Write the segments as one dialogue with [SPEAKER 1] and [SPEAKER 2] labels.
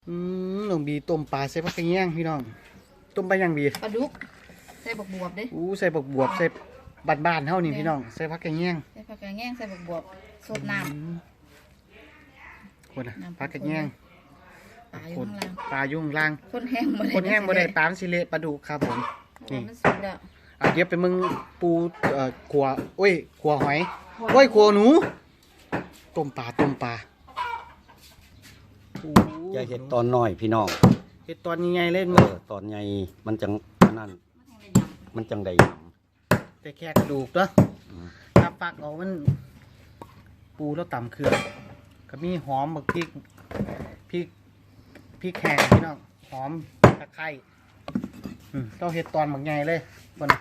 [SPEAKER 1] น้องบีต้มปลาใส่ผักกระเงี้ยงพี่น้องต้มไปยังบี
[SPEAKER 2] ปลาดุกใส่บวบเด้
[SPEAKER 1] ใส่บวบใส่บ้านๆเท่านี้พี่น้องใส่ผักกระเงี้ยง
[SPEAKER 2] ใส่ผักกระเงี้ยงใส่บวบสดน้
[SPEAKER 1] ำคนผักกระเงี้ยงปลายุ่งล่าง
[SPEAKER 2] คนแห้ง
[SPEAKER 1] บ่ได้ปลาสิเละปลาดุกครับผมนี่เดี๋ยวไปมึงปูขัวขัวหอยขัวหนูต้มปลา
[SPEAKER 3] อย่าเห็ดตอนน้อยพี่น้อง
[SPEAKER 1] เห็ดตอนใหญ่ๆเล่น
[SPEAKER 3] ตอนใหญ่มันจังนั่นมันจังใด
[SPEAKER 1] แต่แค่กระดูกเนาะถ้าปักเอามันปูแล้วต่ำเครื่องก็มีหอมบักพริกแห้งพี่น้องหอมตะไคร้ต้องเห็ดตอนบักใหญ่เลยบน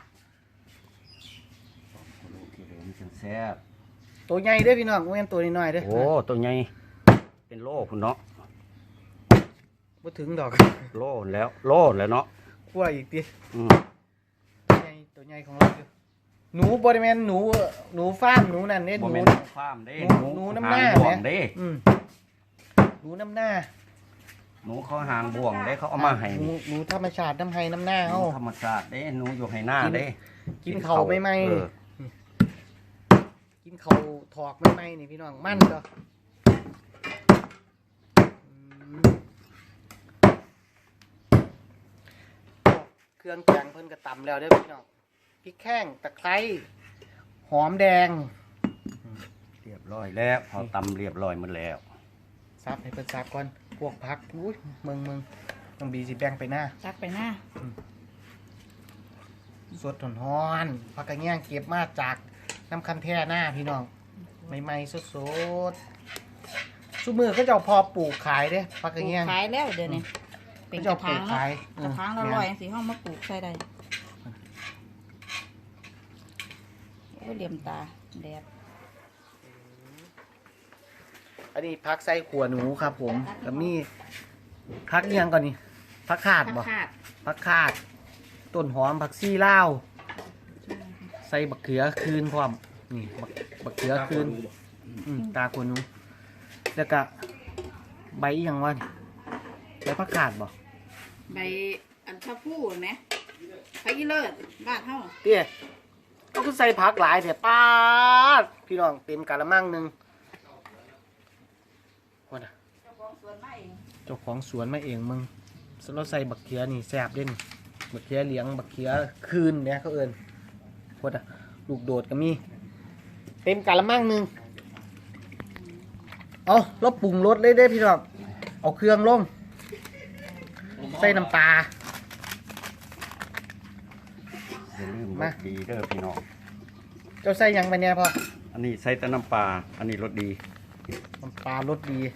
[SPEAKER 3] แซ่บ
[SPEAKER 1] ตัวใหญ่เด้อพี่น้องเว้นตัวน้อยๆเด้อ
[SPEAKER 3] โอ้ตัวใหญ่เป็นโลคุณเนาะ
[SPEAKER 1] บ่ถึงดอก
[SPEAKER 3] โลแล้วเนาะ
[SPEAKER 1] คั่วอีกดิตัวใหญ่ของเราหนูบริเวณหนูฟาร์มหนูนั่นเด้หนู
[SPEAKER 3] ฟาร์มเด้
[SPEAKER 1] หนูน้ำหน้า
[SPEAKER 3] เด้
[SPEAKER 1] หนูน้ำหน้า
[SPEAKER 3] หนูเขาหางบ่วงเด้เขาเอามาให้
[SPEAKER 1] หนูธรรมชาติน้ำไห้น้ำหน้าเขา
[SPEAKER 3] ธรรมชาติเด้หนูอยู่ให้หน้าเด้
[SPEAKER 1] กินเขาไม่ไหมกินเขาถอกไม่ไหมนี่พี่น้องมั่นก็เครื่องแกงเพิ่นกระตำแล้วได้พี่น้องพริกแข้งตะไคร้หอมแดง
[SPEAKER 3] เรียบร้อยแล้วพอตำเรียบร้อยหมดแล้ว
[SPEAKER 1] ซับให้เพิ่นซับก่อนพวกพักอุ้ยมึงน้องบีสิแบ่งไปหน้า
[SPEAKER 2] ซักไปหน้า
[SPEAKER 1] สดร้อนๆผักกระเงี้ยงเก็บมาจากน้ำคันแท่หน้าพี่น้องใหม่ๆสดๆซุมือก็จะพอปลูกขายเด้ผักกระเงี้ยง
[SPEAKER 2] ขายแล้วเดี๋ยวนี้เป็นกระถางละ100สิห้องมาปลูกใส่ได้เหลี่ยมตาแดด
[SPEAKER 1] อันนี้พักไส้ขัวหนูครับผมแล้วมีพักยังก่อนนี่พักขาดบ่พักขาดต้นหอมผักซี่ลาวใส่บักเขือคืนพร้อมนี่บักเขือคืนตาขัวหนูแล้วก็ใบยังวะใบพักขาดบ่
[SPEAKER 2] ใบอันชะพูไหมไผ่เลิศบ้านเฮา
[SPEAKER 1] เตี้ยก็คือใส่ผักหลายแต่ป้าพี่น้องเต็มกะละมังนึงว่าน่ะเจ้าของสวนมาเองมึงเราใส่บักเขียนี่แซ่บเด่นบักเขียเหลียงบักเขียคืนเนี่ยเขาเอิญว่าน่ะลูกโดดก็มีเต็มกะละมังนึงเอาเราปรุงรสเลยได้พี่น้องเอาเครื่องลงใส่น้ำปลา
[SPEAKER 3] อย่าลืมรสดีเด้อพี่น้อง
[SPEAKER 1] เจ้าใส่ยังไปเนี่ยพ่อ
[SPEAKER 3] อันนี้ใส่แต่น้ำปลาอันนี้รสดี
[SPEAKER 1] น้ำปลารสดี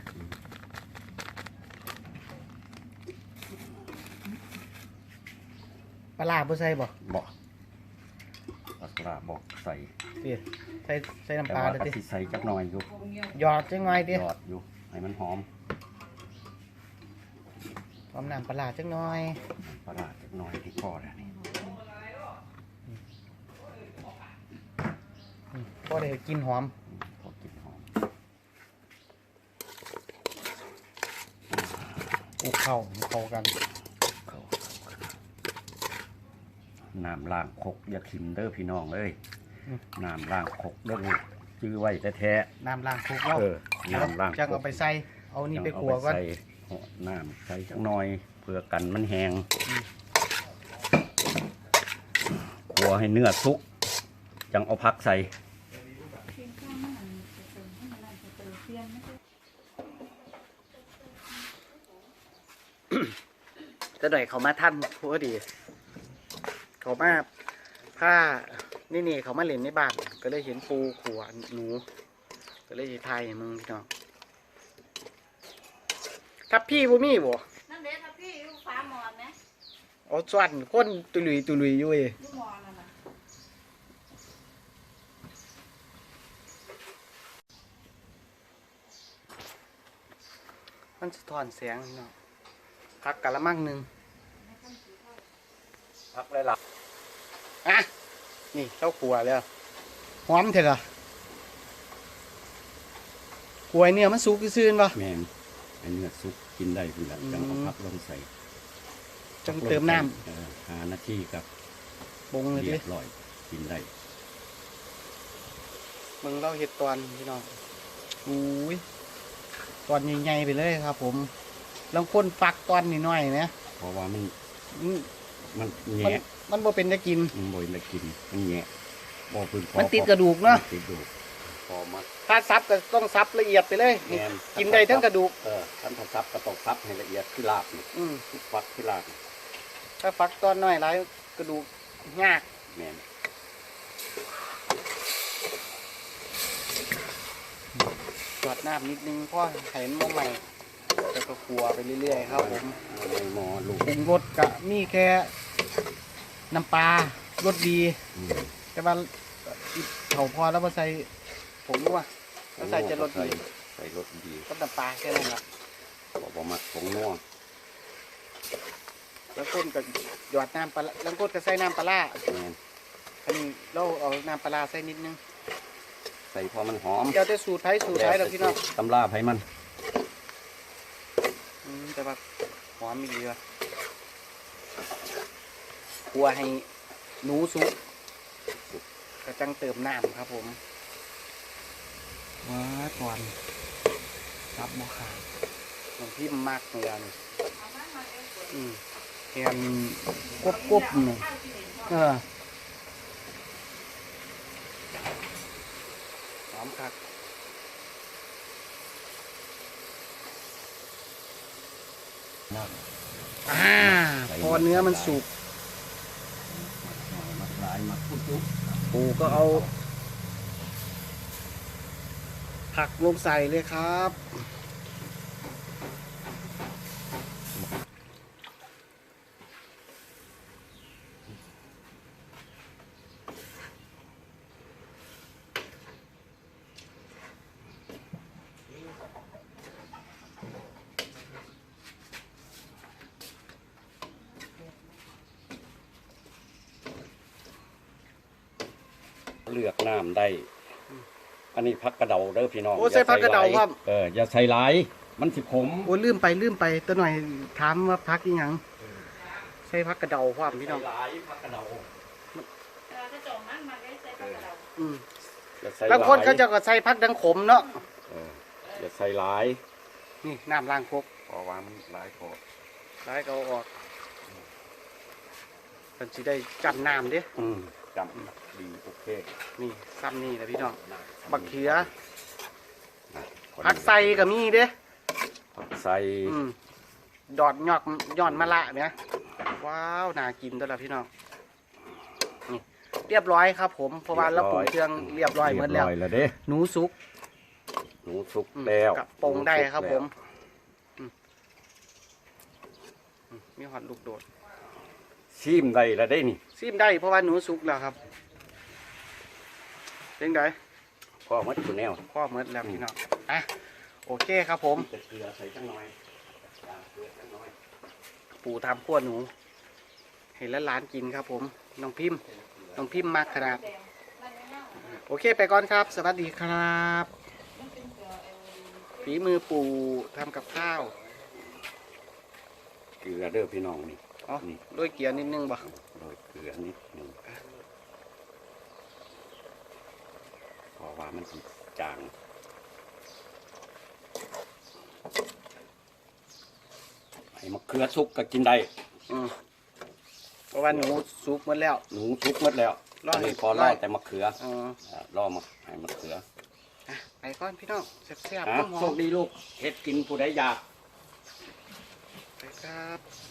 [SPEAKER 1] ปลาบ่ใส่บ่
[SPEAKER 3] ปลาบอกใส่
[SPEAKER 1] ใส่น้ำปลาเลย
[SPEAKER 3] ดิใส่จักหน่อยอยู่
[SPEAKER 1] หยอดจังไงดิ
[SPEAKER 3] หยอดอยู่ให้มันหอม
[SPEAKER 1] น้ำปลาจังหน่อย
[SPEAKER 3] ปลาจักหน่อยที่พอแล้วนี่
[SPEAKER 1] ก็ได้กินหอม
[SPEAKER 3] พอกินหอม
[SPEAKER 1] เข้ากัน
[SPEAKER 3] น้ำล้างคกอย่าขิมเด้อพี่น้องเอ้ยน้ำล้างคกเด้อจื้อไว้แท้
[SPEAKER 1] ๆน้ำล้างคกแล้ว
[SPEAKER 3] น้ำล้าง
[SPEAKER 1] จังเอาไปใส่เอานี่ไปขัวก่อน
[SPEAKER 3] น้ำใส่จังหน่อยเพื่อกันมันแห้งขัวให้เนื้อสุกจังเอาพักใส่
[SPEAKER 1] จะหน่อยเขามาท่านพอดีเขามาผ้านี่เขามาเล่นในบ้านก็เลยเห็นปูขวานหนูก็เลยถ่ายมึงพี่น้องทับพี่บ่มีบ่
[SPEAKER 2] นั่นเด้ทับพี่อยู่ฟ้าหมอนไหม
[SPEAKER 1] อ๋อส่วนคนตุลุยอยู่มันสะท้อนแสงเนาะพักกะละมังนึง
[SPEAKER 3] พักเลยล่ะ
[SPEAKER 1] นี่เข้าครัวแล้วหอมเถอะล่ะครัวเนี่ยมันสุกซื่นป่ะ
[SPEAKER 3] แม่นเนื้อสุกกินได้พุ่นละจังเอาพักลงใส่
[SPEAKER 1] จังเติมน้
[SPEAKER 3] หานาทีกับ
[SPEAKER 1] ำปรุงเลย
[SPEAKER 3] เรี
[SPEAKER 1] ดิ
[SPEAKER 3] ยบร้อยกินได้
[SPEAKER 1] มึงเราเห็ดตอนพี่น้องอุ้ยตอนใหญ่ๆไปเลยครับ ผมลองคนฟักตอนนิดหน่อยนะ
[SPEAKER 3] เพราะว่ามัน
[SPEAKER 1] อืม
[SPEAKER 3] มัน
[SPEAKER 1] มัน
[SPEAKER 3] แงะ
[SPEAKER 1] มันบ่เป็นจะกิน
[SPEAKER 3] มันบ่ได้กินมันแงะบ่พึ่งพอ
[SPEAKER 1] มันติดกระดูกเนาะ
[SPEAKER 3] ติดกระดูกพอมา
[SPEAKER 1] ถ้าซับก็ต้องซับละเอียดไปเลย
[SPEAKER 3] แม่น
[SPEAKER 1] กินได้ทั้งกระดูก
[SPEAKER 3] ท่านถ้าซับก็ต้องซับให้ละเอียดคือลาบนี่
[SPEAKER 1] อืม
[SPEAKER 3] ฟักคือลาบนี่
[SPEAKER 1] ถ้าฟักตอนน้อยหลายกระดูกยาก
[SPEAKER 3] แม่น
[SPEAKER 1] จอดน้ำนิดนึงเพราะเห็นมองใหม่แล้วก็ขัวไปเรื่อยๆครับผม
[SPEAKER 3] เอาในหม้อลูก
[SPEAKER 1] ปรุงรสก็มีแค่น้ำปลารสดี
[SPEAKER 3] อืม
[SPEAKER 1] แต่ว่าเขาพอแล้วมาใส่ผงนัวแล้วใส่จะรสดี
[SPEAKER 3] ใส่รสดี
[SPEAKER 1] ก็น้ำปลาแค่นั้นแหละ
[SPEAKER 3] บอกว่ามักผงนัว
[SPEAKER 1] แล้วก้นก็หยอดน้ำปลาแล้วก้นก็ใส่น้ำปลาร้า
[SPEAKER 3] แม่น
[SPEAKER 1] อันนี้เราเอาน้ำปลาร้าใส่นิดนึง
[SPEAKER 3] ใส่พอมันหอม
[SPEAKER 1] เดี๋ยวจะสูตรไทยสูตรไทยเราพี่น้อง
[SPEAKER 3] ตำราไผมัน
[SPEAKER 1] แต่ว่าหอมมีเยอะกลัวให้หนูสุกก็จังเติมน้ำครับผมว้าก่อนรับบ่ขาดหลวงพี่มากเหมือนกันแอนกบๆหนึ่งหอมคักพอเนื้อมันสุก
[SPEAKER 3] มักหลายมักพุจุ
[SPEAKER 1] ปูก็เอาผักลงใส่เลยครับ
[SPEAKER 3] เลือกน้ำได้ อันนี้พักกระเดาเด้อพี่น้อง
[SPEAKER 1] โอ้ใส่ผักกระเดาครับ
[SPEAKER 3] อย่าใส่หลายมันสิขม
[SPEAKER 1] โอ้ลืมไปตัวหน่อยถามว่าพักอีหยังใส่พักกระเดาความพี่น้อง
[SPEAKER 3] ใส่หลายพักกระเดา
[SPEAKER 1] อืม
[SPEAKER 3] อย่าใส่
[SPEAKER 1] บางคนเขาจะก็ใส่พักดังขมเนาะ
[SPEAKER 3] อย่าใส่หลาย
[SPEAKER 1] นี่น้ำล้างครก
[SPEAKER 3] เพราะว่ามันหลายพอ
[SPEAKER 1] ล้างก็เอาออกมันจะได้จับน้ำเด้
[SPEAKER 3] จำดีโอเค
[SPEAKER 1] นี่ซ้ำนี่นะพี่น้องบักเขือ
[SPEAKER 3] นะ
[SPEAKER 1] ผักใส่ก็มีเด้
[SPEAKER 3] ผักใส่
[SPEAKER 1] ดอดยอดมะละเนี่ยว้าวน่ากินตัวละพี่น้องนี่เรียบร้อยครับผมเพราะว่าเราปรุงเครื่องเรียบร้อยหมดแล้ว
[SPEAKER 3] เรียบร้อยแล้วเด้
[SPEAKER 1] หนูสุก
[SPEAKER 3] หนูสุกแล้ว
[SPEAKER 1] กับปรุงได้ครับผม
[SPEAKER 3] หนูสุกแล้ว
[SPEAKER 1] มีหอดลูกโดด
[SPEAKER 3] ชิมได้แล้วได้นี่
[SPEAKER 1] ซิมได้เพราะว่าหนูสุกแล้วครับเป็นไง
[SPEAKER 3] พ่อมัดตัวแนว
[SPEAKER 1] พ่อเมดแล้วพี่น้องอ่ะโอเคครับผม
[SPEAKER 3] แต่เกลือใส่จังหน่อยเกลือจังหน่อย
[SPEAKER 1] ปู่ทำขั้วหนู เห็นแล้วร้านกินครับผมน้องพิมพ์มากขนาดโอเคไปก่อนครับ สวัสดีครับฝีมือปู่ทำกับข้าว
[SPEAKER 3] เกลือเด้อพี่น้องนี่
[SPEAKER 1] อ๋อ
[SPEAKER 3] นี่
[SPEAKER 1] ด้วยเกี๊ยวนิดนึงบ่
[SPEAKER 3] โรยเกลือนิดหนึงเพราะว่ามันสิจางให้มะเขือสุกก็กินได้
[SPEAKER 1] เพราะว่าหนูสุกหมดแล้ว
[SPEAKER 3] หนูสุกหมดแล้ว
[SPEAKER 1] รอให้
[SPEAKER 3] นนี้พอรอแต่มะเขือ
[SPEAKER 1] อ๋อ
[SPEAKER 3] รอมาให้มะเขือ
[SPEAKER 1] อ่ะไปก่อนพี่น้องแซ่บๆหอ
[SPEAKER 3] โช
[SPEAKER 1] ม
[SPEAKER 3] คดีลูกเฮ็ดกินผู้ใดอยาก
[SPEAKER 1] ๆไปครับ